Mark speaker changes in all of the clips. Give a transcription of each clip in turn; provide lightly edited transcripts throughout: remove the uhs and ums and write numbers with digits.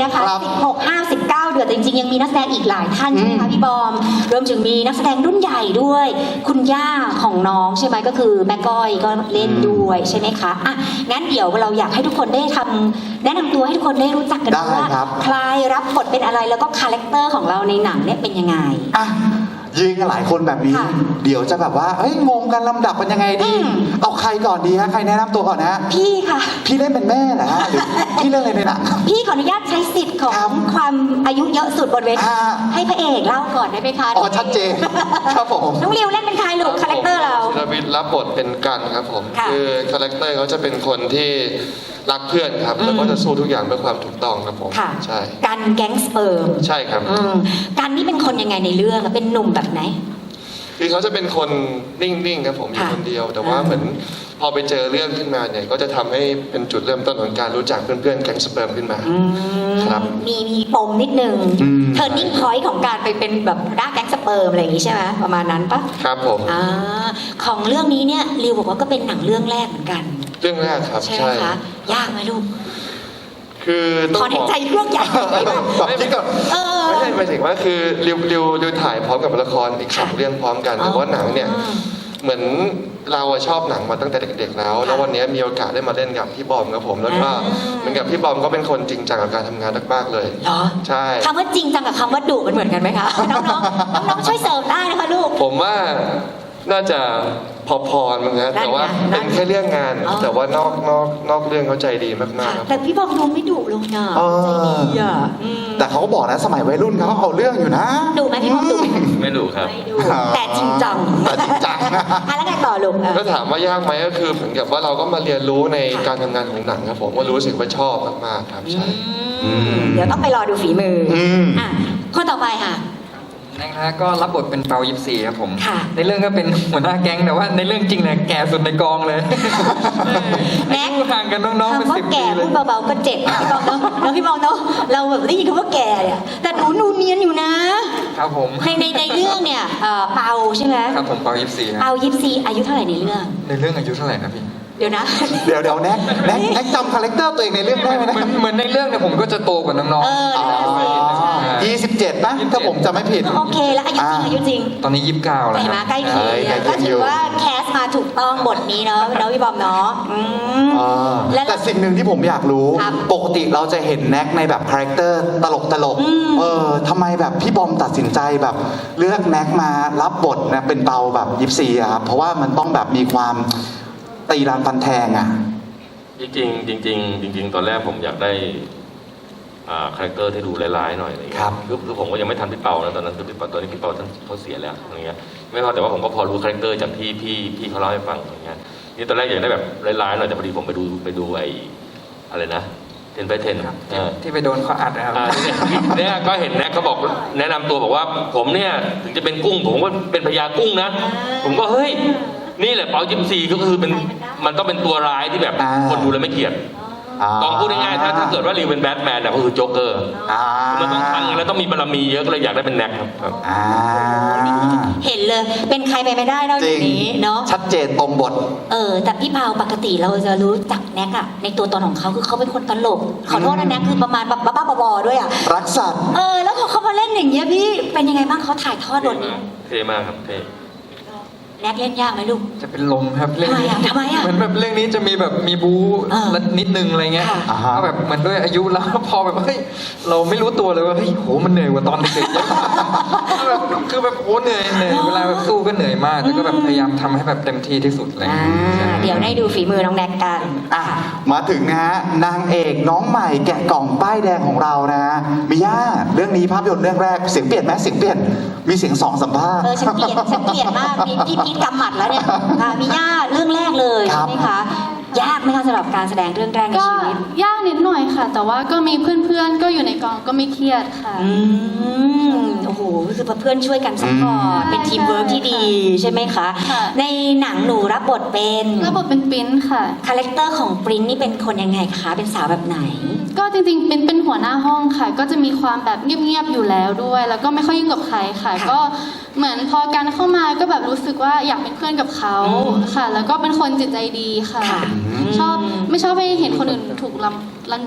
Speaker 1: นะคะ16-59 เดือนจริงๆยังมีนักแสดงอีกหลายท่านใช่ไหมคะพี่บอมรวมถึงมีนักแสดงรุ่นใหญ่ด้วยคุณย่าของน้องใช่ไหมก็คือแม่ก้อยก็เล่นด้วยใช่ไหมคะอ่ะงั้นเดี๋ยวเราอยากให้ทุกคนได้ทำแนะนำตัวให้ทุกคนได้รู้จักกันว่าใครรับบทเป็นอะไรแล้วก็คาแรคเตอร์ของเราในหนังเนี่ยเป็นยังไง
Speaker 2: อ่ะยืนกันหลายคนแบบนี้เดี๋ยวจะแบบว่าเฮ้ยงงกันลำดับเป็นยังไงดีเอาใครก่อนดีฮะใครแนะนำตัวก่อนนะ
Speaker 1: พี่ค่ะ
Speaker 2: พี่เล่นเป็นแม่เหรอฮะหรือพี่เล่นอะไรในหนัง
Speaker 1: พี่ขออนุญาตใช้สิทธิ์ของความอายุเยอะสุดบนเวทีให้พระเอกเล่าก่อนได้ไหมคะ
Speaker 2: อ๋อชัดเจนครับผม
Speaker 1: น้องริวเล่นเป็นใครลูกคาแรคเตอร์เรา
Speaker 3: ธีรวิทย์รับบทเป็นกันครับผมคือคาแรคเตอร์เขาจะเป็นคนที่รักเพื่อนครับแล้วก็จะสู้ทุกอย่างเพื่อความถูกต้องครับผมใช่
Speaker 1: กันแก๊งสเปิร์ม
Speaker 3: ใช่ครับ
Speaker 1: กันนี่เป็นคนยังไงในเรื่องเป็นหนุ่มแบบไหน
Speaker 3: คือเขาจะเป็นคนนิ่งๆครับผมอยู่คนเดียวแต่ว่าเหมือนพอไปเจอเรื่องขึ้นมาเนี่ยก็จะทำให้เป็นจุดเริ่มต้นของการรู้จักเพื่อนๆแก๊งสเปิร์มขึ้นมาครับ
Speaker 1: มีปมนิดนึงเทอร์นิ่งพอยต์ของการไปเป็นแบบด้าแก๊งสเปิร์มอะไรอย่างนี้ใช่ไหมประมาณนั้นปะ
Speaker 3: ครับผม
Speaker 1: ของเรื่องนี้เนี่ยริวบอกว่าก็เป็นหนังเรื่องแรกเหมือนกัน
Speaker 3: เรื่องแรกครับ
Speaker 1: ใช่ไหมคะยากไหมลูก
Speaker 3: คือ
Speaker 1: ต้องขอใจเรื่องใหญ่
Speaker 3: ไม่ใช่หมายถึงว่าคือริวถ่ายพร้อมกับละครอีก2 เรื่องพร้อมกันแต่ว่าหนังเนี่ยเหมือนเราชอบหนังมาตั้งแต่เด็กๆแล้ววันนี้มีโอกาสได้มาเล่นกับพี่บอมครับผมแล้วก็เหมือนกับพี่บอมก็เป็นคนจริงจังกับการทำงานมากๆเลย
Speaker 1: เหรอ
Speaker 3: ใช่
Speaker 1: คำว่าจริงจังกับคำว่าดุมันเหมือนกันไหมคะน้องช่วยเสริมได้นะคะลูก
Speaker 3: ผมว่าน่าจะพอๆมั้งฮะแต่ว่าเป็นแค่เรื่องงานแต่ว่านอกเรื่องเขาใจดีมากๆ
Speaker 1: แต่พี่บอมดูไม่ดุลงนะใจดีอ่ะ
Speaker 2: แต่เขาก็บอกนะสมัยวัยรุ่นเขาเอาเรื่องอยู่นะ
Speaker 1: ดุไหมพี่บอมดุ
Speaker 3: ไม่ดุครับ
Speaker 1: แต่จริงจังแล้วไงต่อลุง
Speaker 3: ก็ถามว่ายากไหมก็คือเหมือนกับว่าเราก็มาเรียนรู้ในการทำงานของหนังครับผมก็รู้สึกว่าชอบมากๆครับใช่
Speaker 1: เดี๋ยวต้องไปรอดูฝีมือคนต่อไปค่ะ
Speaker 4: นะครับก็รับบทเป็นเปายิปซีครับผมในเรื่องก็เป็นหัวหน้าแก๊งแต่ว่าในเรื่องจริงเนี่ยแก่สุดในกองเลย
Speaker 1: แม็ก
Speaker 4: ห่างกันน้องๆเป็น10 ปี
Speaker 1: เลยพูดเบาๆก็เจ็บพี่บอลเนาะแล้วพี่บอลเนาะเราแบบได้ยินคำว่าแก่เนี่ยแต่หนูเนียนอยู่นะครับ
Speaker 4: ผม
Speaker 1: ในเรื่องเนี่ยเปาใช่ไหม
Speaker 4: ครับผมเปายิปซี
Speaker 1: เปายิปซีอายุเท่าไหร่ในเรื่อง
Speaker 4: อายุเท่าไหร่นะพี่
Speaker 1: เดี๋ยวนะ
Speaker 2: เดี๋ยวแน็กจำคาแรคเตอร์ตัวเองในเรื่องได้ไหมนะ
Speaker 4: เหมือนในเรื่องเนี่ยผมก็จะโตกว่าน้อง
Speaker 2: ๆ27นะถ้าผมจำไม่ผิด
Speaker 1: โอเคแล้วอายุจริง
Speaker 4: ตอนนี้29แล้ว
Speaker 1: มาใกล้เคียงก็ถือว่าแคสมาถูกต้องบทนี้เนาะพี่บอมเนาะ
Speaker 2: แต่สิ่งหนึ่งที่ผมอยากรู้ปกติเราจะเห็นแน็กในแบบคาแรคเตอร์ตลกทำไมแบบพี่บอมตัดสินใจแบบเลือกแน็กมารับบทนะเป็นเปาแบบยิปซีอะครับเพราะว่ามันต้องแบบมีความตีรานฟันแทงอ่ะ
Speaker 5: จริงตอนแรกผมอยากได้คาแรคเตอร์ที่ดูร้ายๆหน่อย
Speaker 2: ครับ
Speaker 5: คือผมก็ยังไม่ทันพี่เปานะตอนนั้นคือพี่เปาตอนนี้พี่เปาท่านเขาเสียแล้วอย่างเงี้ยไม่พอแต่ว่าผมก็พอรู้คาแรคเตอร์จากพี่เขาเล่าให้ฟังอย่างเงี้ยนี่ตอนแรกอยากได้แบบร้ายๆหน่อยแต่พอดีผมไปดูไอ้อะไรนะ10 by 10
Speaker 4: ที่ไปโดนเขาอัดนะครับ
Speaker 5: เนี่ยก็เห็นนะเขาบอกแนะนำตัวบอกว่าผมเนี่ยถึงจะเป็นกุ้งผมก็เป็นพญากุ้งนะผมก็เฮ้ยนี่แหละเปายิปซีก็คือมันต้องเป็นตัวร้ายที่แบบคนดูแล้วไม่เกลียดต้องพูดง่ายๆถ้าเกิดว่ารีวเป็นแบทแมนก็คือโจ๊กเกอร์มันต้องทังแล้วต้องมีบารมีเยอะก็เลยอยากได้เป็นแน็กครับ
Speaker 1: เห็นเลยเป็นใครไปไม่ได้นอกจากนี้เนาะ
Speaker 2: ชัดเจนตรงบท
Speaker 1: แต่พี่เปาปกติเราจะรู้จักแน็กอะในตัวตนของเขาคือเขาเป็นคนตลกขอโทษนะแน็กคือประมาณแบบบ้าๆบอๆด้วยอะ
Speaker 2: รักสัตว์
Speaker 1: แล้วพอเขามาเล่นอย่างเงี้ยพี่เป็นยังไงบ้างเขาถ่ายทอดบทนี้
Speaker 5: เท่มากครับเท่
Speaker 1: แน็กเล่นยากไหมลูก
Speaker 4: จะเป็นลมครับเรื่องนี้
Speaker 1: ทำไมอ่ะ
Speaker 4: เหมือนแบบเรื่องนี้จะมีแบบมีบู๊นิดนึงอะไรเงี้ยก็แบบมันด้วยอายุแล้วพอแบบเฮ้ยเราไม่รู้ตัวเลยว่าเฮ้ยโหมันเหนื่อยกว่าตอนเด็กๆคือแบบโหเหนื่อยเวลาแบบสู้ก็เหนื่อยมากแต่ก็แบบพยายามทำให้แบบเต็มที่ที่สุดเลย
Speaker 1: เดี๋ยวได้ดูฝีมือน้องแน็กกัน
Speaker 2: มาถึงนะฮะนางเอกน้องใหม่แกะกล่องป้ายแดงของเรานะฮะมิย่าเรื่องนี้ภาพยนตร์เรื่องแรกเสียงเปลี่ยนไหมเสียงเปลี่ยนมีเสียง2 สัมภาษณ์
Speaker 1: ฉันเปลี่ยนมากพี่พีทกำหมัดแล้วเนี่ยมีย่าเรื่องแรกเลยใช่ไหมคะยากไหมคะสำหรับการแสดงเรื่องแรกในชีวิต
Speaker 6: ยากนิดหน่อยค่ะแต่ว่าก็มีเพื่อนๆก็อยู่ในกองก็ไม่เครียดค่ะ
Speaker 1: โอ้โหคือเพื่อนช่วยกันซัพพอร์ตเป็นทีมเวิร์กที่ดีใช่ไหมคะในหนังหนูรับบทเป็น
Speaker 6: ปริ้นค่ะ
Speaker 1: คาแรคเตอร์ของปริ้นนี่เป็นคนยังไงคะเป็นสาวแบบไหน
Speaker 6: ก็จริงๆเป็นหัวหน้าห้องค่ะก็จะมีความแบบเงียบๆอยู่แล้วด้วยแล้วก็ไม่ค่อยยุ่งกับใครค่ะก็เหมือนพอการเข้ามาก็แบบรู้สึกว่าอยากเป็นเพื่อนกับเขาค่ะแล้วก็เป็นคนจิตใจดีค่ะไม่ชอบให้เห็นคนอื่นถูก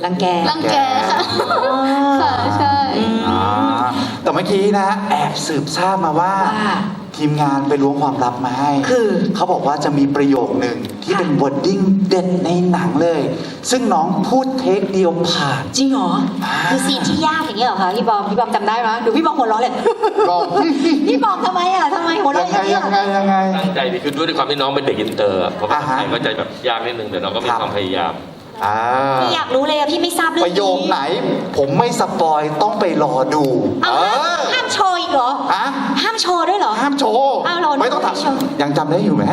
Speaker 1: รังแก
Speaker 6: รังแกค่ะค่ะใช่
Speaker 2: อ่าแต่เมื่อกี้นะแอบสืบทราบมาว่า
Speaker 1: ว่า
Speaker 2: ทีมงานไปล้วงความลับมาให้
Speaker 1: คือ
Speaker 2: เขาบอกว่าจะมีประโยคหนึ่งที่เป็นวอร์ดดิ้งเด็ดในหนังเลย ซึ่งน้องพูดเทคเดียวผ่าน
Speaker 1: จริงเหรอ คือซีนที่ยากอย่างเงี้ยเหรอคะพี่บอมจำได้ไหมดูพี่บอมหัวเราะเลย
Speaker 2: บอม
Speaker 1: พี่บอมทำไมหัวเราะอย่างเงี้ย
Speaker 2: ยังไง
Speaker 5: ตั้งใจดีคือด้วยความที่น้องเป็นเด็กอินเตอร์อะเพราะว่า
Speaker 2: อ่าฮะ
Speaker 5: ไทยก็จะแบบยากนิดนึงแต่เราก็มี
Speaker 2: ครับ
Speaker 5: ความพยายาม
Speaker 2: อ่า
Speaker 1: พี่อยากรู้เลยอะพี่ไม่ทราบเรื่อง
Speaker 2: ป
Speaker 1: นี้
Speaker 2: ระโยคไหน ผมไม่สปอยต้องไปรอดู
Speaker 1: เอาห้ามโชว์อีกเหรอ
Speaker 2: ฮะ
Speaker 1: ห้ามโชว์ด้วยเหรอ
Speaker 2: ห้ามโชว์
Speaker 1: อ้าวเรา
Speaker 2: ไม่ต้อง
Speaker 1: ไม่โชว์
Speaker 2: ทำยังจำได้อยู่ไหม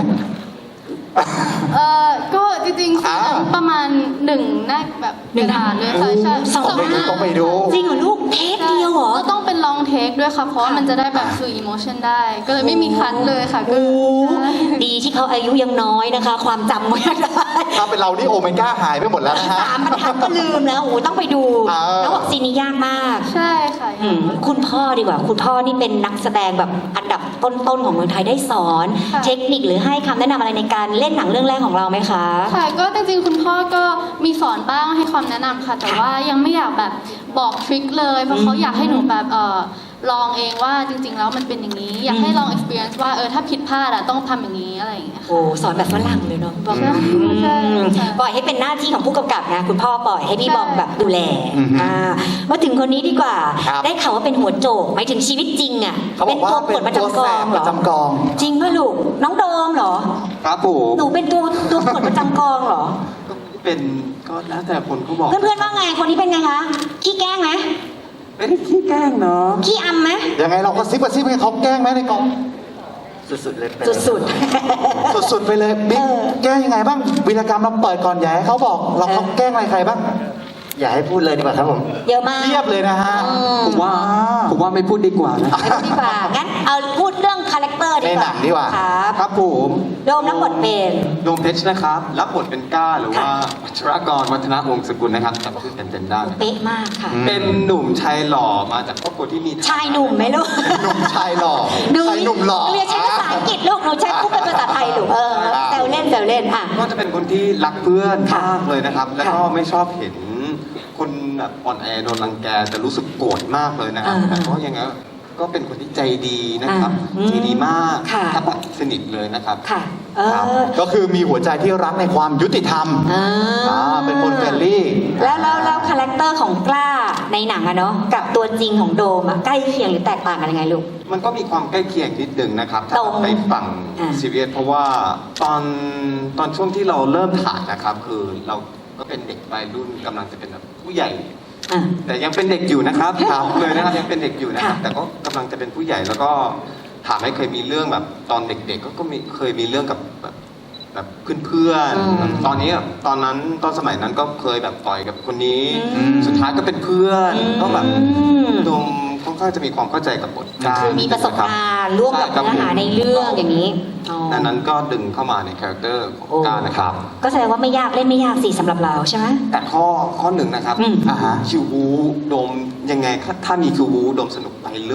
Speaker 6: ก็จริงๆคือประมาณ1หน้าแบบกระดาษเลยค่ะใช่
Speaker 1: สองหน้า
Speaker 2: ต้องไปดู
Speaker 1: จริงเหรอลูกเทปเดียวเหรอ
Speaker 6: ก็ต้องเป็นลองเทคด้วยค่ะ เพราะว่ามันจะได้แบบสื่ออิโมชันได้ ก็เลยไม่มีคัทเลยค่ะก็
Speaker 1: โอ้
Speaker 6: ใช่
Speaker 1: ดีที่เขาอายุยังน้อยนะคะ ความจำไม่ได้
Speaker 2: ถ้าเป็นเรานี่โอเมก้าหายไปหมดแล้วนะฮะ
Speaker 1: 3 บรรทัดก็ลืมแล้วโอ้ต้องไปดู แล้วบอกซีนนี้ยากมาก
Speaker 6: ใช่ค่ะ
Speaker 1: คุณพ่อดีกว่า คุณพ่อนี่เป็นนักแสดงแบบอันดับต้นๆของเมืองไทยได้สอน
Speaker 6: ค่ะ
Speaker 1: เทคนิคหรือให้คำแนะนำอะไรในการเล่นหนังเรื่องแรกของเราไหมคะ
Speaker 6: ค่ะก็จริงๆคุณพ่อก็มีสอนบ้างให้ความแนะนำค่ะ แต่ว่ายังไม่อยากแบบบอกทริคเลยเพราะเขาอยากให้หนูแบบลองเองว่าจริงๆแล้วมันเป็นอย่างนี้ อยากให้ลอง experience ว่าถ้าผิดพลาดต้องทำอย่างนี้อะไรอย่างเงี้ยค่ะ
Speaker 1: โอ้สอนแบบฝรั่งเลยเนาะบอก
Speaker 6: ใช่ใช่ใช่
Speaker 1: ปล่อยให้เป็นหน้าที่ของผู้กำกับนะคุณพ่อปล่อยให้พี่
Speaker 6: ใช่
Speaker 1: บอมแบบดูแล
Speaker 2: อือฮึ
Speaker 1: มาถึงคนนี้ดีกว่า
Speaker 2: ครับ
Speaker 1: ได้ข่าวว่าเป็นหัวโจกหมายถึงชีวิตจริงอ่ะ
Speaker 2: เขาบอกว่า
Speaker 1: ตัวปวดประจำกองเหรอ
Speaker 2: ประจำกอง
Speaker 1: จริงป่ะลูกน้องโดมเหรอ
Speaker 7: ครับผม
Speaker 1: หนูเป็นตัวปวดประจำกองเหรอ
Speaker 7: เป็นก็แล้วแต่คนเขาบอก
Speaker 1: เพื่อนๆว่าไงคนนี้เป็นไงคะขี้แกล้งไหม
Speaker 7: ไม่ได้ขี้แกล้งเนาะ
Speaker 1: ขี้อำไหม
Speaker 2: ยังไงเราก็ซิบให้เขาแกล้งไหมในกอง
Speaker 7: สุดๆเลยเป็น
Speaker 1: สุด
Speaker 2: สุดๆไปเลยบิ๊ก
Speaker 1: เออ
Speaker 2: แกล้งยังไงบ้างวีรกรรมเราเปิดก่อนอย่าให้เขาบอกเราเขาแกล้งอะไรใครบ้าง
Speaker 7: อย่าให้พูดเลยดีกว่าครับผม
Speaker 1: ๆเยอะมาก
Speaker 2: เรียบเลยนะฮะ
Speaker 1: อืม
Speaker 7: ผมว่าไม่พูดดีกว่านะ
Speaker 1: ไม่พูดดีกว่างั้นเอาพูดเรื่องคาแรคเตอร์ดีกว่า
Speaker 2: ในหนังดีกว่า
Speaker 1: ครับ
Speaker 7: ครับผม
Speaker 1: โดมรับบทเป็น
Speaker 7: ดวงเพชรนะครับ รับบทเป็นก้าหรือว่า
Speaker 1: ค่ะ
Speaker 7: วัชรกรวัฒนวงศ์สกุลนะครับจำชื่อเต็มๆได้
Speaker 1: เป๊ะมากค่ะ
Speaker 7: เป็นหนุ่มชายหล่อมาจากครอบครัวที่มี
Speaker 1: ชายหนุ่มไหมลูก
Speaker 2: หนุ่มชายหล่อชายหนุ่มหล่อ
Speaker 1: หนูอย่าใช้ภาษาอังกฤษลูกหนูใช้พูดเป็นภาษาไทยลูกแซวเล่นอ่ะ
Speaker 7: ก็จะเป็นคนที่รักเพื่อน
Speaker 1: ค่ะ
Speaker 7: มากเลยนะครับ แล้วก็
Speaker 1: ค่ะ
Speaker 7: ไม่ชอบเห็นคนแบบอ่อนแอโดนรังแกจะรู้สึกโกรธมากเลยนะครับ
Speaker 1: อ่า
Speaker 7: แต่ก็ยังไงก็เป็นคนที่ใจดีนะครับ
Speaker 1: อ่า
Speaker 7: ใจดีมาก
Speaker 1: ค่ะ
Speaker 7: ถ้าแบบสนิทเลยนะครับ
Speaker 1: ค่ะ
Speaker 2: ครับก็คือมีหัวใจที่รักในความยุติธรรม เป็นคนเฟรนลี่
Speaker 1: แล้วคาแรคเตอร์ของกล้าในหนังอะเนาะกับตัวจริงของโดมอะใกล้เคียงหรือแตกต่างกันยังไงลูก
Speaker 7: มันก็มีความใกล้เคียงนิดนึงนะครับ
Speaker 1: ตรง
Speaker 7: ถ้าไปฝั่ง
Speaker 1: อ่า
Speaker 7: ซีเรียสเพราะว่าตอนช่วงที่เราเริ่มถ่ายนะครับ คือเราก็เป็นเด็กวัยรุ่นกำลังจะเป็นแบบผู้ใหญ่
Speaker 1: อ่ะ
Speaker 7: แต่ยังเป็นเด็กอยู่นะครับถามเลยนะครับยังเป็นเด็กอยู่นะครับ
Speaker 1: ค่ะ
Speaker 7: แต่ก็กำลังจะเป็นผู้ใหญ่แล้วก็ถามให้เคยมีเรื่องแบบตอนเด็กๆก็มีเคยมีเรื่องกับแบบเพื่อนๆแบบตอนนี้แบบตอนสมัยนั้นก็เคยแบบต่อยกับคนนี้ สุดท้ายก็เป็นเพื่อนก็แบบดมค่อนข้างจะมีความเข้าใจกับบทการ
Speaker 1: คือมีประสบการณ์ร่วมกับ
Speaker 7: ใช่ค
Speaker 1: เนื้อหาในเรื่องอย่างนี้อ๋อ
Speaker 7: ดังนั้นก็ดึงเข้ามาในคาแรคเตอร์ของ
Speaker 1: โอ้
Speaker 7: การนะครับ
Speaker 1: ก็แสดงว่าไม่ยากเล่นไม่ยากสิสำหรับเราใช่ไหม
Speaker 7: แต่ข้อหนึ่งนะครับ
Speaker 2: อ่าฮะ
Speaker 7: คิวบูโดมยังไงถ้ามีคิวบูโดมสนุกไปเลย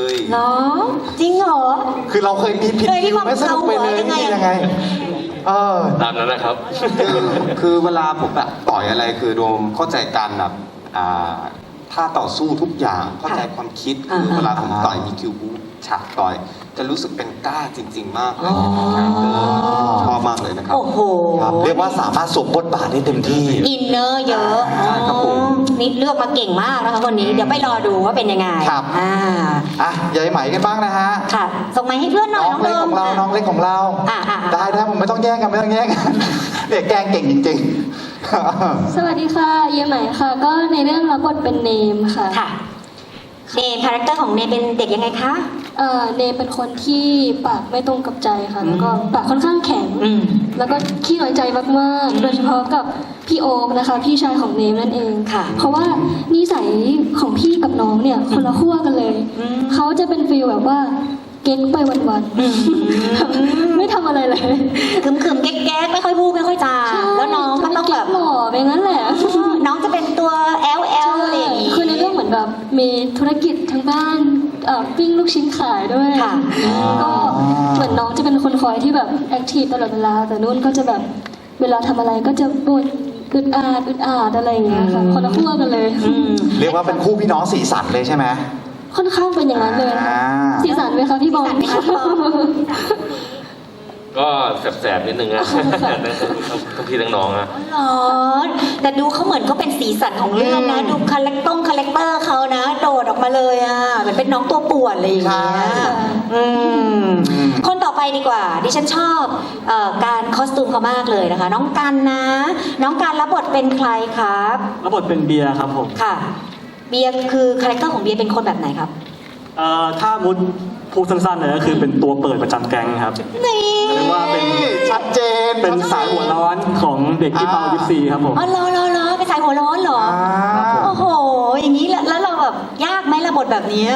Speaker 1: เนาะจริงเหรอ
Speaker 2: คือเราเคยมีผิด
Speaker 1: เคยที่
Speaker 2: คิวไม่สนุกไปเลย
Speaker 1: บอกเราเหรอ
Speaker 2: นี่
Speaker 1: ยั
Speaker 2: ยัง ง
Speaker 1: ไง
Speaker 2: ไงเออ
Speaker 5: ตามนั้นนะครับ
Speaker 7: คือเวลาผมแบบต่อยอะไรคือโดมเข้าใจการแบบท่าต่อสู้ทุกอย่างเข้าใจความคิดคือเวลาผมต่อยมีคิวบูฉากต่อย จะรู้สึกเป็นกล้าจริง ๆ มากเลยชอบมากเลยนะครับ
Speaker 1: โอ้โห
Speaker 2: ครับเรียกว่าสามารถสวมบทบาทได้เต็มที่
Speaker 1: อินเนอร์เยอะ
Speaker 7: ใช่ครับผม
Speaker 1: นี่เลือกมาเก่งมากนะคะคนนี้ เดี๋ยวไปรอดูว่าเป็นยังไง
Speaker 2: ครับ อ่ะยายไหมกันบ้างนะฮะ
Speaker 1: ค่ะ ส่งไม้ให้เพื่อนหน่อย
Speaker 2: น้องเล็กของเรา น้องเล็กของเรา ได้ผมไม่ต้องแย่งกันไม่ต้องแย่งกันเด็กแกล้งเก่งจริงๆ
Speaker 8: สวัสดีค่ะเยไหมค่ะ ก็ในเรื่องรับบทเป็นเนมค่ะ
Speaker 1: ค่ะเนมคาแรคเตอร์ของเนมเป็นเด็กยังไงคะ
Speaker 8: เนมเป็นคนที่ปากไม่ตรงกับใจค่ะ แล้วก็ปากค่อนข้างแข็ง
Speaker 1: อืม
Speaker 8: แล้วก็ขี้น้อยใจมากๆ โดยเฉพาะกับพี่โอ๊คนะคะ พี่ชายของเนมนั่นเอง
Speaker 1: ค่ะ
Speaker 8: เพราะว่านิสัยของพี่กับน้องเนี่ยคนละขั้วกันเลย
Speaker 1: อืม
Speaker 8: เขาจะเป็นฟีลแบบว่าเก๊กไปวันๆ ไม่ทำอะไรเลย
Speaker 1: ขึมๆแก๊กๆไม่ค่อยพูดไม่ค่อยจา
Speaker 8: ใช่
Speaker 1: แล้วน้องก็ต้องแบบ
Speaker 8: เก๊กหล่อไปงั้นแหละ
Speaker 1: น้องจะเป็นตัวแอลอะไรอย่างงี้
Speaker 8: คือในเรื่องเหมือนแบบมีธุรกิจทั้งบ้านปิ้งลูกชิ้นขายด้วย
Speaker 1: ค่ะ
Speaker 8: ก็เหมือนน้องจะเป็นคนคอยที่แบบแอคทีฟตลอดเวลา แต่นุ่นก็จะแบบเวลาทำอะไรก็จะบ่นอึดอาดอะไรอย่างเงี้ยค่ะคนละขั้วกันเลย
Speaker 2: เรียกว่าเป็นคู่พี่น้องสีสันเลยใช่ไหม
Speaker 8: ค่อนข้างเป็นอย่างนั้นเลย
Speaker 2: อ่า
Speaker 8: สีสันไหมคะพี่บอล
Speaker 1: สีสันไหมคะพี่บอล
Speaker 5: ก็แสบๆนิดนึงนะ ทั้งพี่ทั้งน้องอะ
Speaker 1: อ๋อแต่ดูเขาเหมือนก็เป็นสีสันของเรื่องนะ ดูคาแรคเตอร์เขานะ โดดออกมาเลยอ่ะเหมือนเป็นน้องตัวป่วนอะไรอย่างเงี้ย
Speaker 2: ใช่
Speaker 1: อืมคนต่อไปดีกว่า ดิฉันชอบการคอสตูมเขามากเลยนะคะ น้องกันนะ น้องกันรับบทเป็นใครครับ
Speaker 9: รับบทเป็นเบียร์ครับผม
Speaker 1: ค่ะ เบียร์คือคาแรคเตอร์ของเบียร์เป็นคนแบบไหนครับ
Speaker 9: ถ้ามุดพูดสั้นๆเลยก็คือเป็นตัวเปิดประจำแก๊งครับ
Speaker 1: นี่
Speaker 9: เรียกว่าเป็น
Speaker 2: ชัดเจน
Speaker 9: เป็นสายหัวร้อนของเด็กที่เป่ายิปซีครับผม
Speaker 1: อ๋อเหรอเป็นสายหัวร้อนเหรอ โอ้โห อย่างนี้แล้วเราแบบยากไหมระบทแบบเนี้ย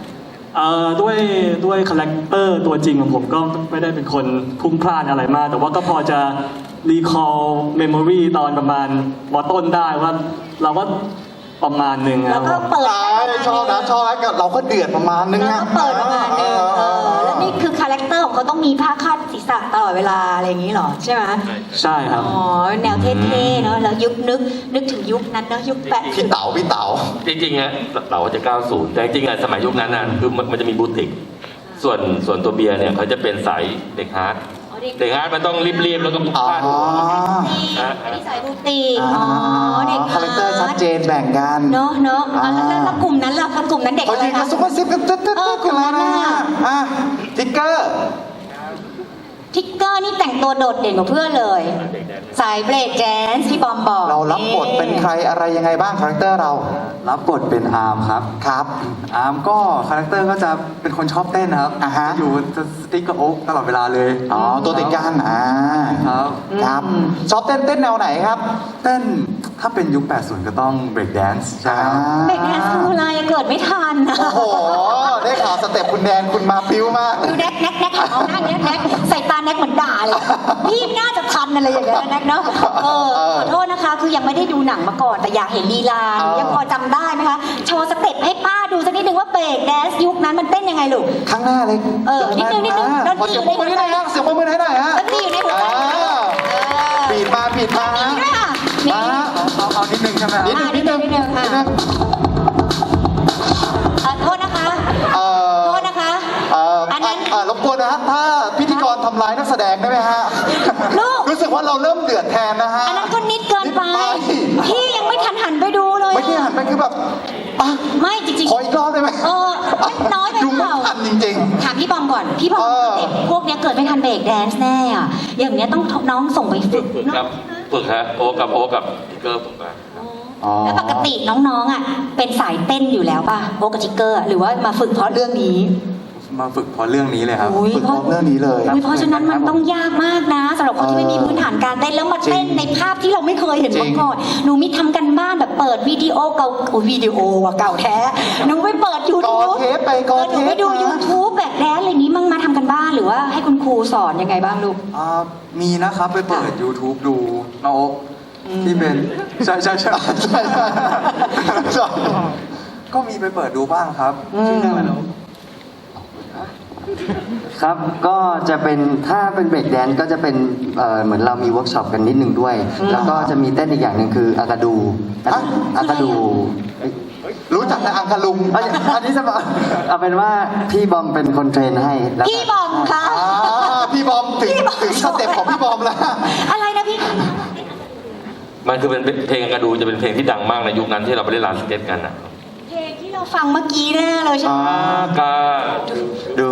Speaker 9: ด้วยคาแรคเตอร์ตัวจริงของผมก็ไม่ได้เป็นคนพลุ่งพล่านอะไรมาก แต่ว่าก็พอจะรีคอลเมมโมรีตอนประมาณมต้นได้ว่าเราก็ประมาณหนึ่งค
Speaker 1: แล้
Speaker 9: รั
Speaker 1: ว
Speaker 9: บ
Speaker 1: ก็เปิด
Speaker 2: ชอบนะเราก็เดือดประมาณนึง
Speaker 1: แล้ว
Speaker 2: นะ
Speaker 1: ก็เปิดประมาณนึงแล้วนี่คือคาแรคเตอร์ของเขาต้องมีผ้าคาดศีรษะตลอดเวลาอะไรอย่างนี้เหรอใช่ไหม
Speaker 9: ใช่ครับ
Speaker 1: อ๋อแนวเท่ๆเนาะแล้วนึกถึงยุคนั้นเนาะยุค80
Speaker 2: พี่เต๋า
Speaker 5: จริงๆอะเราจะ90แต่จริงๆอะสมัยยุคนั้นน่ะคือมันจะมีบูติกส่วนตัวเบียร์เนี่ยเขาจะเป็นสายเด็กฮาร์ดเด็กฮาร์ดมันต้องรีบๆแล้วก็พลุกพล่าน
Speaker 2: อ๋อ
Speaker 1: อันนี้สายบูติกอ๋อเด็ก
Speaker 2: คาแรคเตอร์ชัดเจนแบ่งกัน
Speaker 1: เนาะแล้วกลุ่มนั้นล่ะกลุ่มนั้นเด็ก
Speaker 2: เขา
Speaker 1: อะไร
Speaker 2: ยืนกั
Speaker 1: คะ
Speaker 2: นซุปเปอร์ซิปกันตึ๊ด
Speaker 1: กลุ่มนั้นน่ะ
Speaker 2: อ่ะทิกเกอร์
Speaker 1: ทิกเกอร์นี่แต่งตัวโดดเด่นกว่าเพื่อนเลย สายเบรกแดนซ์ที่บอมบอก
Speaker 2: เรารับบทเป็นใครอะไรยังไงบ้างคาแรคเตอร์เรา
Speaker 10: รับบทเป็นอาร์มครับ
Speaker 2: ครับ
Speaker 10: อาร์มก็คาแรคเตอร์ก็จะเป็นคนชอบเต้นนะครับ
Speaker 2: อ่าฮะ
Speaker 10: จะอยู่จะสติ๊กกับโอ๊กตลอดเวลาเลย
Speaker 2: อ๋อตัวติดกัน
Speaker 10: ครับ
Speaker 2: ครับชอบเต้นแนวไหนครับ
Speaker 10: เต้นถ้าเป็นยุค 80 ก็ต้องเบรกแดนซ์ใช่ครับ
Speaker 1: เบรกแดนซ์คืออะไรเกิดไม่ทันนะ
Speaker 2: โอ้โห ได้ข่าวสเต็ปคุณแดนคุณมาปิ้วมาก
Speaker 1: ดูแน็กเอาหน้าแน็กใส่ตาแน็กเหมือนด่าเลยพี่น่าจะทันอะไรอย่างเงี้ยแน็กเนาะขอโทษนะคะ คือยังไม่ได้ดูหนังมาก่อนแต่อยากเห็นลีลายังพอจำได้ไหมคะโชว์สเต็ปให้ป้าดูสักนิดนึงว่าเบรกแดนซ์ยุคนั้นมันเต้นยังไงลูก
Speaker 2: ข้างหน้าเลย
Speaker 1: นิดนึงดน
Speaker 2: ขอ
Speaker 1: ตรี
Speaker 2: เสี
Speaker 1: อย
Speaker 2: ง
Speaker 1: ยู่
Speaker 2: ปรบมือให้หน่อยฮะเสียงปรบมือให้หน่อยฮะ
Speaker 1: ดนตรีอยู่ในหัวใจ
Speaker 2: บีดมาฮะ
Speaker 1: นี่ด้วยค่ะนี่
Speaker 2: มาฮะ
Speaker 10: เอานิดนึงใช่ไหมครับ
Speaker 1: นิดนึงโทษนะคะ โทษนะคะ อันนั้น
Speaker 2: รบกวนนะครับถ้าพิธีกรทำร้ายนักแสดงได้ไหมฮะ
Speaker 1: ลูก
Speaker 2: รู้สึกว่าเราเริ่มเดือดแทนนะฮะ
Speaker 1: อันนั้นก็นิดเกินไป พี่ยังไม่ทันหันไปดูเลย
Speaker 2: ไม่ใช่หันไปคือแบบอ่ะ
Speaker 1: ไม่จริง
Speaker 2: ขออีกรอบได้ไหม
Speaker 1: มันน้อยไป
Speaker 2: ดู
Speaker 1: เป
Speaker 2: ไม่
Speaker 1: ล่า
Speaker 2: ทันจริง
Speaker 1: ถามพี่บอมก่อน พี่บอมเด็กพวกเนี้ยเกิดไม่ทันเบรกแดนซ์แน่อะอย่างเนี้ยต้องน้องส่งไปฝึก
Speaker 5: ฝึกครับฝึกฮะโอ๊กกับทิกเกอร์ฝึกมา
Speaker 2: ๆอ๋อ
Speaker 1: แล้วปกติน้องๆอ่ะเป็นสายเต้นอยู่แล้วป่ะโบกับจิกเกอร์หรือว่ามาฝึกเพราะเรื่องนี้
Speaker 10: มาฝึกเพราะเรื่องนี้เลยครับ
Speaker 1: อุ๊ย
Speaker 2: ฝึกพร้อมเรื่องนี้เลย
Speaker 1: เพราะฉะนั้นมันต้องยากมากนะสำหรับคนที่ไม่มีพื้นฐานการเต้นแล้วมาเต้นในภาพที่เราไม่เคยเห็นมาก่อนหนูมีทำกันบ้านแบบเปิดวิดีโอเก่าวิดีโอว่ะเก่าแท้หนูไปเปิด
Speaker 2: กอ
Speaker 1: YouTube
Speaker 2: เทปไปกอ
Speaker 1: ห
Speaker 2: เท
Speaker 1: นู
Speaker 2: ป
Speaker 1: ไปดู
Speaker 2: มา
Speaker 1: YouTube แบบแดนอะไรอย่างนี้มั่งมาทำกันบ้านหรือว่าให้คุณครูสอนยังไงบ้างลูก
Speaker 10: มีนะครับไปเปิด YouTube ดูน้องโอ๊กที่เป็นใช่ ก็มีไปเปิดดูบ้างครับชื่อเรื่องอะไรนะ
Speaker 11: ครับ ก็จะเป็นถ้าเป็นเบรกแดนซ์ก็จะเป็นเหมือนเรามีเวิร์กช็อปกันนิดนึงด้วย แล้วก็จะมีเต้นอีกอย่างหนึ่งคืออากาดูอากาดู
Speaker 2: รู้จักแต่อังคาลุง
Speaker 11: อันนี้จะเอาเป็นว่าพี่บอมเป็นคนเทรนให้แล้ว
Speaker 1: พี่บอมคะ
Speaker 2: พี่บอมถึงสเต็ปของพี่บอมแล้ว
Speaker 1: อะไรนะพี่
Speaker 5: มันคือเป็นเพลงกระดูจะเป็นเพลงที่ดังมากในยุคนั้นที่เราไปเล่นร้านสเก็ตกันนะ
Speaker 1: เพลงที่เราฟังเมื่อกี้แน่เลยใช่ไหม
Speaker 5: กา
Speaker 2: ดู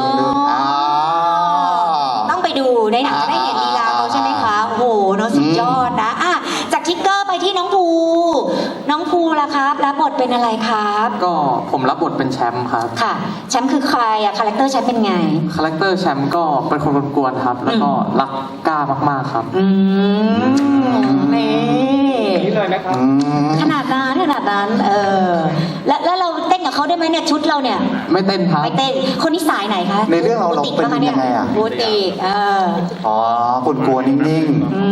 Speaker 1: ต้องไปดูในหนังจะได้เห็นลีลาเขาใช่ไหมคะ โอ้โหเนาะสุดยอดนะอ่ะจากทิกเกอร์ไปที่น้องภูล่ะครับรับบทเป็นอะไรครับ
Speaker 10: ก็ผมรับบทเป็นแชมป์ครับ
Speaker 1: ค่ะแชมป์คือใครอะคาแรคเตอร์แชมป์เป็นไง
Speaker 10: คาแรคเตอร์แชมป์ก็เป็นคนกวนๆครับ แล้วก็รักกล้ามากๆครับ
Speaker 1: นี่ขนาดนั้นแล้วเราเต้นกับเขาได้ไหมเนี่ยชุดเราเนี่ย
Speaker 10: ไม่เต้นครับ
Speaker 1: ไม่เต้นคนนี้สายไหนคะ
Speaker 2: ในเรื่องเราเป็นยังไงอะ
Speaker 1: บูติก
Speaker 2: อ๋อคุณกลัวนิ่ง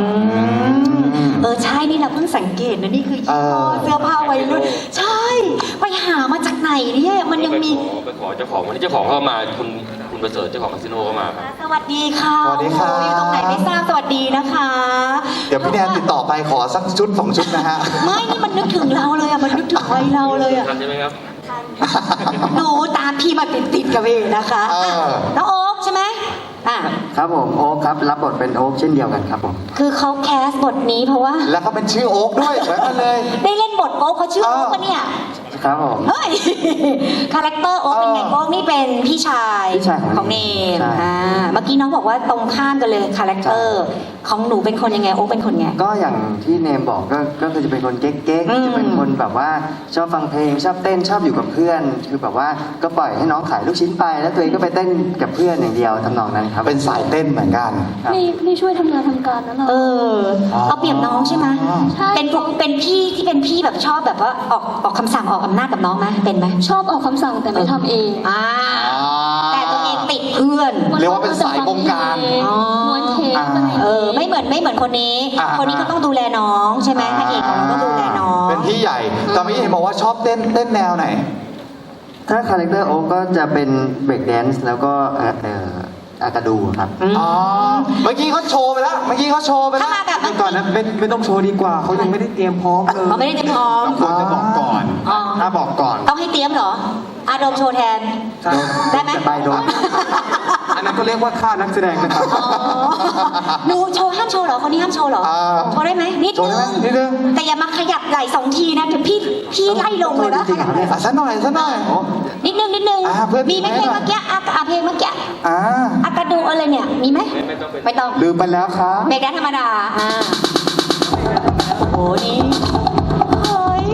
Speaker 1: ใช่นี่เราเพิ่งสังเกตนะนี่คือยี่ห้อเสื้อผ้าวัยรุ่นใช่ไปหามาจากไหนเนี่ยมันยังมี
Speaker 5: ไปขอเจ้าของวันนี้เจ้าของเข้ามาคุณคุณประเสริฐเจ้าของคาสิโนก็มาครับ
Speaker 1: สวัสดีค่ะ
Speaker 2: สวัสดีครับ
Speaker 1: โอ้โหอยู่ตรงไหนไม่ทราบสวัสดีนะคะ
Speaker 2: เดี๋ยวพี่แนนติดต่อไปขอสักชุด2 ชุดนะฮะ
Speaker 1: ไม่นี่มันนึกถึงเราเลยอะมันนึกถึงวัยเราเลยอะ
Speaker 5: ทันใช่ไหมครับ
Speaker 1: หนูตามพี่มาติดกับเองนะคะ
Speaker 2: เออ
Speaker 1: น้องโอ๊คใช่ไหมอ่ะ
Speaker 11: ครับผมโอ๊คครับรับบทเป็นโอ๊คเช่นเดียวกันครับผม
Speaker 1: คือเขาแคสบทนี้เพราะว่า
Speaker 2: แล้วก็เป็นชื่อโอ๊คด้วยเหมือนกันเลย
Speaker 1: ได้เล่นบทโอ๊คเขาชื่อโอ๊คปะเนี่ย
Speaker 11: ครับผม
Speaker 1: เฮ้ย คาแรคเตอร์โอ๊คเป็นไงโอ๊คนี่เป็นพี่ชาย
Speaker 11: พี่ชายของ
Speaker 1: เนม
Speaker 11: ใช่
Speaker 1: เมื่อกี้น้องบอกว่าตรงข้ามกันเลยคาแรคเตอร์ของหนูเป็นคนยังไงโอ๊คเป็นคนไง
Speaker 11: ก็อย่างที่เนมบอกก็คือจะเป็นคนเก๊ก
Speaker 1: อืม
Speaker 11: ๆจะเป็นคนแบบว่าชอบฟังเพลงชอบเต้นชอบอยู่กับเพื่อน คือแบบว่าก็ปล่อยให้น้องขายลูกชิ้นไป แล้วตัวเองก็ไปเต้นกับเพื่อนอย่างเดียวทำนองนั้นครับ
Speaker 2: เป็นสายเต้นเหมือนกัน
Speaker 11: ครับ
Speaker 8: ไม่ช่วยทำงานทำการนะเรา
Speaker 1: เอาเปรียบน้องใช่ไหม
Speaker 8: ใช่
Speaker 1: เป็นพี่ที่เป็นพี่แบบชอบแบบว่าออกคำสั่งออกอำนาจกับน้องไหมเป็นไหม
Speaker 8: ชอบออกคำสั่งแต่ไม่ทำเอง
Speaker 1: แต่ตัวเองติดเพื่อน
Speaker 2: เรียกว่าเป็นสายบงการ
Speaker 8: ม้วนเทปอะไรอย่างเงี้ย
Speaker 1: ไม่เหมือนคนนี้
Speaker 2: อ่า
Speaker 1: คนนี้ก็ต้องดูแลน้องใช่ไหมพระเอกของเราก็ดูแลน้อง
Speaker 2: เป็นพี่ใหญ่แต่เมื่อกี้เห็นบอกว่าชอบเต้นแนวไหน
Speaker 11: ถ้าคาแรคเตอร์โอ๊คก็จะเป็นเบรกแดนซ์แล้วก็อากาดูครับ
Speaker 2: อ๋อ เมื่อกี้เขาโชว์ไปแล้ว เมื่อกี้เขาโชว์ไปแล้
Speaker 1: ถ้าว มาแบบ
Speaker 7: ก่อนนะไม่ต้องโชว์ดีกว่าเขายังไม่ได้เตรียมพร้อมเลย
Speaker 1: เขาไม่ได้เตรียมพร้อม
Speaker 7: ควรจะบอกก่อน
Speaker 1: อ๋อ
Speaker 7: ถ้าบอกก่อน
Speaker 1: ต้องให้เตรียมเหรออาโดมโชว์แทน
Speaker 7: ใช่
Speaker 1: ได้ไหม
Speaker 11: จะไปโดน
Speaker 7: อันนั้นก็เรียกว่าค่านักแสดงนะครับ
Speaker 1: อ๋อหนูโชว์ห้ามโชว์เหรอคนนี้ห้ามโชว์เหรอ โชว์ได้ไหมนิด
Speaker 2: โชว์ได้ไหมนิดนึง
Speaker 1: แต่อย่ามาขยับไหล่2 ทีนะเดี๋ยวพี่ไล่ลงเลยนะ
Speaker 11: จริงๆเหรอเนี่ย
Speaker 2: สักหน่อย
Speaker 1: นิดนึง
Speaker 2: เพื่อน
Speaker 1: มีไหมเพลงเมื่อกี้เพลงเมื่อกี้
Speaker 2: อ่า
Speaker 1: อากาดูอะไรเนี่ยมีไหมไม่ต้อง
Speaker 2: ลืมไปแล้วครับ
Speaker 1: เบรกแดนธรรมดาโอ้โหนี่เฮ้ย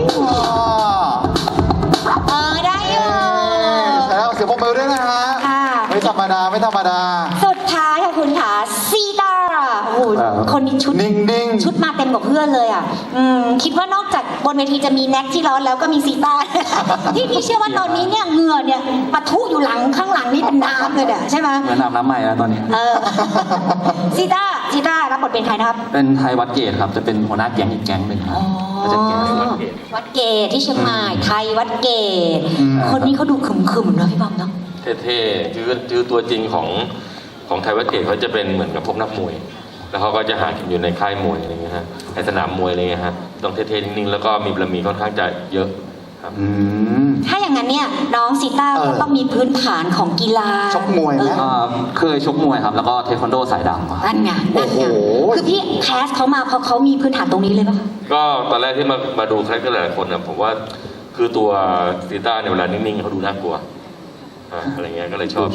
Speaker 1: ได้อยู่
Speaker 2: แล้วเสียงปรบมือด้วยนะฮะ
Speaker 1: ค่ะ
Speaker 2: ไม่ธรรมดา ไม่ธรรมดา
Speaker 1: สุดท้ายค่ะคุณค่ะซีตาโอ้โหคนนี้ชุด
Speaker 2: นิ่งๆ
Speaker 1: ชุดมาเต็มกับเพื่อนเลยอ่ะคิดว่านอกจากบนเวทีจะมีแน็กที่ร้อนแล้วก็มีซีตา ที่พี่เชื่อว่าตอนนี้เนี่ยเหงื่อเนี่ยปะทุอยู่ข้างหลังนี่เป็นน้ำเลยเนี่ยใช่ไหม
Speaker 12: เหมือนอาบน้ำใหม่แล้วตอนนี้
Speaker 1: ซีตารับบทเป็นใครนะครับ
Speaker 12: เป็นไทยวัดเกตครับ จะเป็นหัวหน้าแก๊งอีกแก๊งหนึ่งครับก็จะแก๊ง
Speaker 1: วัดเกตที่เชียงใหม่ไทยวัดเกตคนนี้เขาดูขึมๆนะพี่บอมเนาะ
Speaker 5: เท่ๆคือตัวจริงของไทยวัดเกตเขาจะเป็นเหมือนกับพวกนักมวย แล้วเขาก็จะหากินอยู่ในค่ายมวยอะไรเงี้ยฮะในสนามมวยอะไรเงี้ยฮะต้องเท่ๆนิ่งๆแล้วก็มีบารมีค่อนข้างจะเยอะครับ
Speaker 1: ถ้าอย่างนั้นเนี่ยน้องซีต้าก็ต้องมีพื้นฐานของกีฬา
Speaker 2: ชกมวยไหม
Speaker 12: เคยชกมวยครับ แล้วก็เทควันโดสายดำครับ
Speaker 1: นั่นไง
Speaker 2: โอ้โห
Speaker 1: คือพี่แคสเขามาเพราะเขามีพื้นฐานตรงนี้เลยปะ
Speaker 5: ก็ตอนแรกที่มาดูคาแรคเตอร์หลายๆคนนะผมว่าคือตัวซีต้าในยเวลานิ่งๆเขาดูน่ากลัวอะไรเงี้ยก็เลยชอบ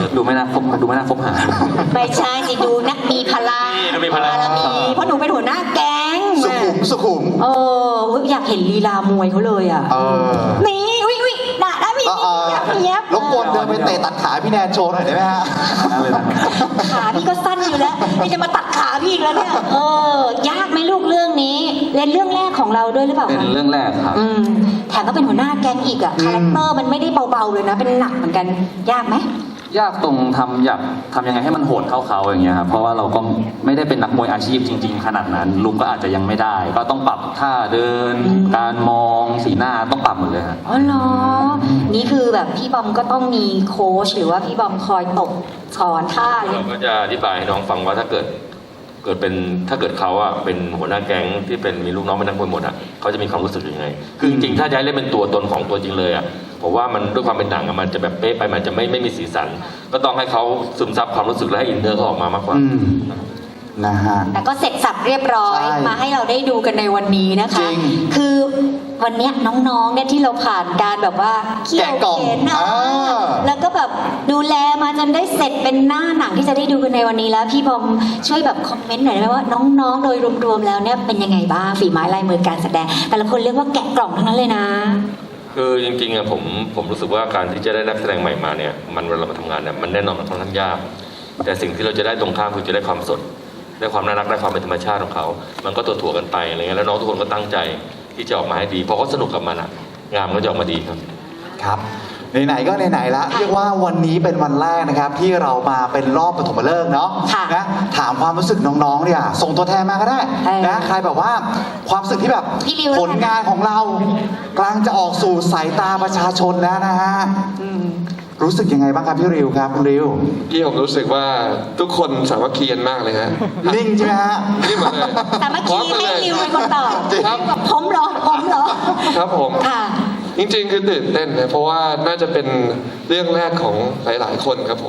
Speaker 12: ไม่น่าคบหา
Speaker 1: ไม่ใช่สิดูนักมีพลัง
Speaker 5: นี่มีพลัง
Speaker 1: เพราะหนูเป็นหัวหน้าแก๊ง
Speaker 2: สุขุม
Speaker 1: อยากเห็นลีลามวยเขาเลยอ่ะ นี่วิด่าได้วิเนี้ย
Speaker 2: รบกวนเดินไปเตะตัดขาพี่แนนโชว์หน่อยได้ไหมฮะ
Speaker 1: ขาพี่ก็สั้นอยู่แล้วนี่จะมาตัดขาพี่อีกแล้วเนี่ยยากไหมลูกเรื่องนี้เล่นเรื่องแรกของเราด้วยหรือเปล่า
Speaker 12: เป็นเรื่องแรกครับ
Speaker 1: แถมก็เป็นหัวหน้าแก๊งอีกอ่ะคาแรคเตอร์มันไม่ได้เบาๆเลยนะเป็นหนักเหมือนกันยากไหม
Speaker 12: ยากตรงอยากทำยังไงให้มันโหดเท่าเขาอย่างเงี้ยครับ เพราะว่าเราก็ไม่ได้เป็นนักมวยอาชีพจริง ๆ ขนาดนั้นลุกก็อาจจะยังไม่ได้ ก็ต้องปรับท่าเดิน การมองสีหน้าต้องปรับหมดเลยครับ
Speaker 1: อ๋อเหรอ นี่คือแบบพี่บอมก็ต้องมีโค้ชหรือว่าพี่บอมคอยตบสอนท่าอะไร
Speaker 5: เราก็จะอธิบายให้น้องฟังว่าถ้าเกิดเขาอะเป็นหัวหน้าแก๊งที่เป็นมีลูกน้องเป็นนักมวยหมดอะเขาจะมีความรู้สึกยังไงคือจริงๆถ้าจะให้เล่นเป็นตัวตนของตัวจริงเลยอะผมว่ามันด้วยความเป็นหนังอะมันจะแบบเป๊ะไปมันจะไม่มีสีสันก็ต้องให้เขาซึมซับความรู้สึกและให้อินเนอร์เขาออกมามากกว่า
Speaker 2: นะฮะ
Speaker 1: แต่ก็เสร็จสับเรียบร้อย
Speaker 2: ใช่
Speaker 1: มาให้เราได้ดูกันในวันนี้นะคะ
Speaker 2: จริง
Speaker 1: คือวันเนี้ยน้องๆเนี่ยที่เราผ่านการแบบว่าเขี่ยว
Speaker 2: แกะกล่อง
Speaker 1: เข็นนะ
Speaker 2: อ่า
Speaker 1: แล้วก็แบบดูแลมาจนได้เสร็จเป็นหน้าหนังที่จะได้ดูกันในวันนี้แล้วพี่บอมช่วยแบบคอมเมนต์หน่อยได้ไหมว่าน้องๆโดยรวมๆแล้วเนี่ยเป็นยังไงบ้างฝีไม้ลายมือการแสดง แต่ละคนเรียกว่าแกะกล่องทั้งนั้นเลยนะ
Speaker 5: คือจริงๆอะผมรู้สึกว่าการที่จะได้นักแสดงใหม่มาเนี่ยมันเวลามาทำงานเนี่ยมันแน่นอนมันค่อนข้างยากแต่สิ่งที่เราจะได้ตรงข้ามคือจะได้ความสดได้ความน่ารักได้ความเป็นธรรมชาติของเขามันก็ตัวถ่วกันไปอะไรเงี้ยแล้วน้องทุกคนก็ตั้งใจที่จะออกมาให้ดีเพราะเขาสนุกกับมันอะงานมันก็จะออกมาดีครับ
Speaker 2: ครับไหนๆก็ไหนๆละเรียกว่าวันนี้เป็นวันแรกนะครับที่เรามาเป็นรอบปฐมฤกษ์เนาะ
Speaker 1: ค่ะ
Speaker 2: นะถามความรู้สึกน้องๆเนี่ยส่งตัวแทนมาก็ได้
Speaker 1: เออ
Speaker 2: นะใครแบบว่าความรู้สึกที่แบบ
Speaker 1: พี่ริวแล้วกัน
Speaker 2: ผลงานของเรากำลังจะออกสู่สายตาประชาชนแล้วนะฮะรู้สึกยังไงบ้างครับพี่ริวครับคุณริว
Speaker 3: ที่ผมรู้สึกว่าทุกคนสามัคคีกันมากเลยฮะ
Speaker 2: นิ่งใช่ไหมฮะ
Speaker 3: นี่หมดเลย
Speaker 1: แต่เมื่อกี้ให้ริวเป็นคนตอบ
Speaker 3: ครับ
Speaker 1: ผมเหรอ
Speaker 3: ครับผม
Speaker 1: ค่ะ
Speaker 3: จริงๆคือตื่นเต้นนะเพราะว่าน่าจะเป็นเรื่องแรกของหลายๆคนครับผม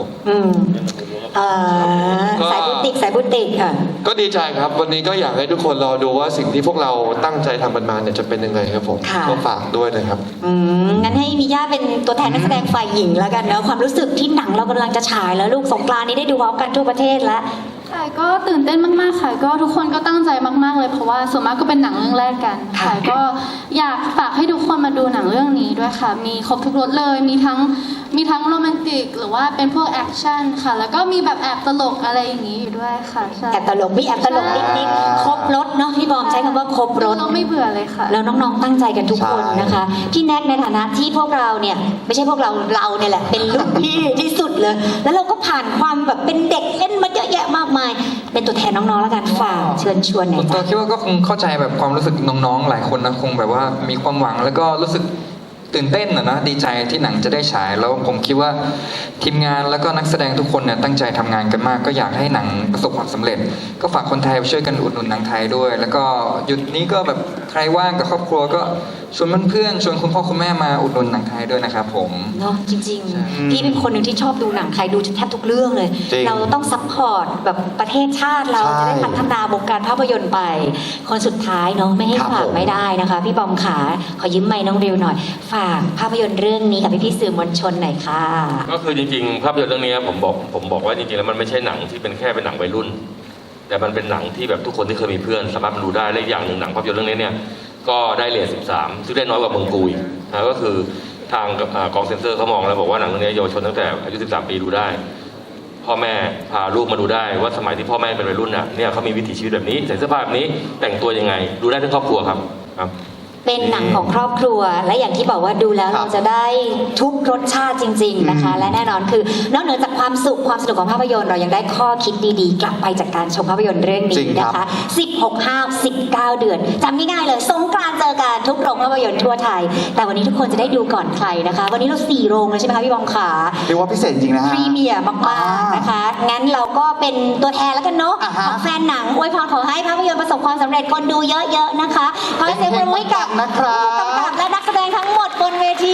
Speaker 1: สายบุติกค่ะ
Speaker 3: ก็ดีใจครับวันนี้ก็อยากให้ทุกคนรอดูว่าสิ่งที่พวกเราตั้งใจทำกันมาเนี่ยจะเป็นยังไงครับผม
Speaker 1: ค่ะ
Speaker 3: ก็ฝากด้วยนะครับ
Speaker 1: งั้นให้มิย่าเป็นตัวแทนนักแสดงฝ่ายหญิงแล้วกันเนอะความรู้สึกที่หนังเรากำลังจะฉายแล้วลูกสงกรานต์นี้ได้ดูพร้อมกันทั่วประเทศแล้ว
Speaker 6: ค่ะก็ตื่นเต้นมากๆค่ะก็ทุกคนก็ตั้งใจมากๆเลยเพราะว่าส่วนมากก็เป็นหนังเรื่องแรกกันค่ะก็อยากฝากให้ทุกคนมาดูหนังเรื่องนี้ด้วยค่ะมีครบทุกรสเลยมีทั้งโรแมนติกหรือว่าเป็นพวกแอคชั่นค่ะแล้วก็มีแบบแอบตลกอะไรอย่างนี้อยู่ด้วยค่ะใช่
Speaker 1: แอบตลกมีแอบตลกนิดๆครบรถเนาะพี่บอมใช้คำว่าครบรถ
Speaker 6: เราไม่เบื่อเลยค่ะ
Speaker 1: แล้วน้องๆตั้งใจกันทุกคน
Speaker 2: ใช่
Speaker 1: นะคะพี่แน็กในฐานะที่พวกเราเนี่ยไม่ใช่พวกเราเนี่ยแหละเป็นรุ่นพี่ที่สุดเลย แล้วเราก็ผ่านความแบบเป็นเด็กเล่นมาเยอะแยะมากมาย เป็นตัวแทนน้องๆแล้วกันฝากเชิญชวนหน่
Speaker 4: ส่
Speaker 1: อ
Speaker 4: วย นตัว
Speaker 1: จ้ะ
Speaker 4: คิดว่าก็คงเข้าใจแบบความรู้สึกน้องๆหลายคนนะคงแบบว่ามีความหวังแล้วก็รู้สึกตื่นเต้นนะดีใจที่หนังจะได้ฉายแล้วผมคิดว่าทีมงานแล้วก็นักแสดงทุกคนเนี่ยตั้งใจทำงานกันมากก็อยากให้หนังประสบความสำเร็จ ก็ฝากคนไทยช่วยกันอุดหนุนหนังไทยด้วย แล้วก็หยุดนี้ก็แบบใครว่างกับครอบครัวก็ชวนเพื่อนๆชวนคุณพ่อคุณแม่มาอุดหนุนหนังไทยด้วยนะครับผม
Speaker 1: เนาะจริงๆพี่เป็นคนหนึ่งที่ชอบดูหนังไทยดูแทบทุกเรื่องเลย
Speaker 2: จริง
Speaker 1: เราต้องซัพพอร์ตแบบประเทศชาติเรา
Speaker 2: ใช่
Speaker 1: จะได้พัฒนาวงการภาพยนตร์ไป คนสุดท้ายเนาะไม่ให้
Speaker 2: ครับ
Speaker 1: ฝาก
Speaker 2: ผม
Speaker 1: ไม่ได้นะคะ พี่บอมขาขอยืมไมค์น้องริวหน่อย ฝากภาพยนตร์เรื่องนี้กับพี่ๆสื่อมวลชนหน่อยค่ะ
Speaker 5: ก็คือจริงๆภาพยนตร์เรื่องนี้ผมบอกว่าจริงๆแล้วมันไม่ใช่หนังที่เป็นแค่เป็นหนังวัยรุ่น แต่มันเป็นหนังที่แบบทุกคนที่เคยมีเพื่อนสามารถมาดูได้และอีกอย่างหนึ่งหนังภาพยนตร์เรื่องนี้เนี่ยก็ได้เรท 13 ซึ่งได้น้อยกว่าเมืองกูอีกนะก็คือทางกองเซ็นเซอร์เขามองแล้วบอกว่าหนังเรื่องนี้เยาวชนตั้งแต่อายุ 13 ปีดูได้ พ่อแม่พาลูกมาดูได้ว่าสมัยที่พ่อแม่เป็นวัยรุ่นน่ะเนี่ยเขามีวิถีชีวิตแบบนี้ใส่เสื้อผ้าแบบนี้แต่งตัวยังไงดูได้ทั้งครอบครัวครับ
Speaker 1: เป็นหนังของครอบครัวและอย่างที่บอกว่าดูแล้ว
Speaker 2: ครับ
Speaker 1: เราจะได้ทุกรสชาติจริง ๆนะคะ และแน่นอนคือนอกเหนือจากความสุขความสนุกของภาพยนตร์เรายังได้ข้อคิดดีๆ กลับไปจากการชมภาพยนตร์เรื่อง
Speaker 2: จริ
Speaker 1: นี้
Speaker 2: งครั
Speaker 1: นะ
Speaker 2: บ
Speaker 1: คะ 16-19 เดือนจำง่ายๆเลยสงกรานต์เจอกันทุกโรงภาพยนตร์ทั่วไทย แต่วันนี้ทุกคนจะได้ดูก่อนใครนะคะ วันนี้เรา4โรงเลยใช่ไหมคะพี่บอมขา
Speaker 2: เรียกว่าพิเศษจริงนะ
Speaker 1: พ
Speaker 2: ฮะ
Speaker 1: รีเมียร์มากๆนะคะ งั้นเราก็เป็นตัวแทนแล้วกันเนาะ
Speaker 2: อ่าฮะ
Speaker 1: ของแฟนหนังอวยพรขอให้ภาพยนตร์ประสบความสำเร็จคนดูเยอะๆนะคะขอให้เสียงปรบมือให้กับ
Speaker 2: นะครับ
Speaker 1: ผู้กำกับและนักแสดงทั้งหมดบนเวที